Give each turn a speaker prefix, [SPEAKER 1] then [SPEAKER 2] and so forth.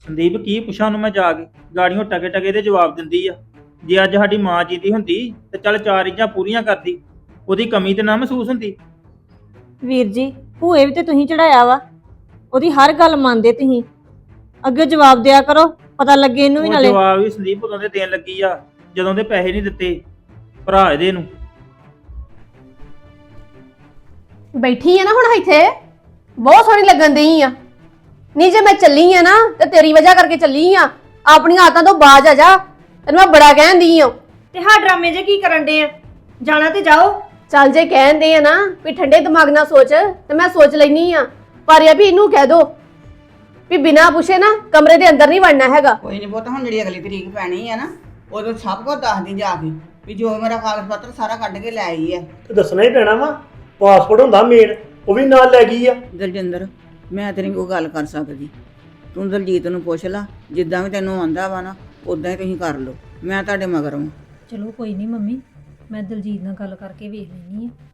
[SPEAKER 1] ਸੰਦੀਪ ਕੀ ਪੁੱਛਾਂ ਉਹਨੂੰ ਮੈਂ ਜਾ ਕੇ? ਗਾੜੀਆਂ ਟਕੇ ਟਕੇ ਦੇ ਜਵਾਬ ਦਿੰਦੀ ਆ। ਜੇ ਅੱਜ ਸਾਡੀ ਮਾਂ ਜੀਦੀ ਹੁੰਦੀ ਤੇ ਚੱਲ ਚਾਰ ਇੰਜਾਂ ਪੂਰੀਆਂ ਕਰਦੀ, ਉਹਦੀ ਕਮੀ ਤੇ ਨਾ ਮਹਿਸੂਸ ਹੁੰਦੀ।
[SPEAKER 2] ਵੀਰ ਜੀ ਭੂਏ ਵੀ ਤੇ ਤੁਸੀਂ ਚੜਾਇਆ ਵਾ, ਉਹਦੀ ਹਰ ਗੱਲ ਮੰਨਦੇ ਤੁਸੀਂ। ਅੱਗੇ ਜਵਾਬ ਦਿਆ ਕਰੋ, ਪਤਾ ਲੱਗੇ ਇਹਨੂੰ ਵੀ
[SPEAKER 1] ਉਹ
[SPEAKER 2] ਨਾਲੇ।
[SPEAKER 1] ਜਵਾਬ ਵੀ ਸੰਦੀਪ ਉਦੋਂ ਦੇ ਦੇਣ ਲੱਗੀ ਆ ਜਦੋਂ ਦੇ ਪੈਸੇ ਨਹੀਂ ਦਿੱਤੇ ਭਰਾ ਇਹਦੇ ਨੂੰ।
[SPEAKER 3] ਬੈਠੀ ਆ ਨਾ ਹੁਣ ਇੱਥੇ, ਬਹੁਤ ਸੋਹਣੀ ਲੱਗਣ ਦਈ ਆ। ਨਹੀਂ ਜੇ ਮੈਂ ਚੱਲੀ ਆ ਨਾ ਤੇ ਤੇਰੀ ਵਜ੍ਹਾ ਕਰਕੇ ਚੱਲੀ ਆ। ਆਪਣੀਆਂ ਆਦਤਾਂ ਤੋਂ ਬਾਜ ਆ ਜਾ, ਤੈਨੂੰ ਮੈਂ ਬੜਾ ਕਹਿੰਦੀ ਆ।
[SPEAKER 2] ਤੇ ਹਾਂ ਡਰਾਮੇ ਜੇ ਕੀ ਕਰਨ ਦੇ ਆ? ਜਾਣਾ ਤੇ ਜਾਓ।
[SPEAKER 3] ਚੱਲ ਜੇ ਕਹਿੰਦੇ ਆ ਨਾ ਵੀ ਠੰਡੇ ਦਿਮਾਗ ਨਾਲ ਸੋਚ, ਤੇ ਮੈਂ ਸੋਚ ਲੈਣੀ ਆ। ਪਰ ਇਹ ਵੀ ਇਹਨੂੰ ਕਹਿ ਦੋ ਵੀ ਬਿਨਾਂ ਪੁੱਛੇ ਨਾ ਕਮਰੇ ਦੇ ਅੰਦਰ ਨਹੀਂ ਵੜਨਾ ਹੈਗਾ।
[SPEAKER 4] ਕੋਈ ਨਹੀਂ ਪੁੱਤ, ਹੁਣ ਜਿਹੜੀ ਅਗਲੀ ਤਰੀਕ ਪੈਣੀ ਆ ਨਾ ਉਦੋਂ ਸਭ ਕੁਝ ਦੱਸਦੀ ਜਾ ਕੇ ਵੀ ਜੋ ਮੇਰਾ ਕਾਗਜ਼ ਪੱਤਰ ਸਾਰਾ ਕੱਢ ਕੇ ਲੈ ਆਈ ਹੈ।
[SPEAKER 5] ਤੇ ਦੱਸਣਾ ਹੀ ਪੈਣਾ ਵਾ। ਪਾਸਪੋਰਟ ਹੁੰਦਾ ਮੇਨ, ਉਹ ਵੀ ਨਾਲ ਲੈ ਗਈ ਆ।
[SPEAKER 4] ਦਲਜਿੰਦਰ, ਮੈਂ ਤੇਰੀ ਕੋਈ ਗੱਲ ਕਰ ਸਕਦੀ? ਤੂੰ ਦਲਜੀਤ ਨੂੰ ਪੁੱਛ ਲਾ, ਜਿੱਦਾਂ ਵੀ ਤੈਨੂੰ ਆਂਦਾ ਵਾ ਨਾ ਉਦਾਂ ਹੀ ਤੁਸੀਂ ਕਰ ਲਓ। ਮੈਂ ਤੁਹਾਡੇ ਮਗਰ ਹਾਂ।
[SPEAKER 6] ਚਲੋ ਕੋਈ ਨਹੀਂ ਮੰਮੀ, ਮੈਂ ਦਲਜੀਤ ਨਾਲ ਗੱਲ ਕਰਕੇ ਵੇਖ ਲੈਣੀ ਆ।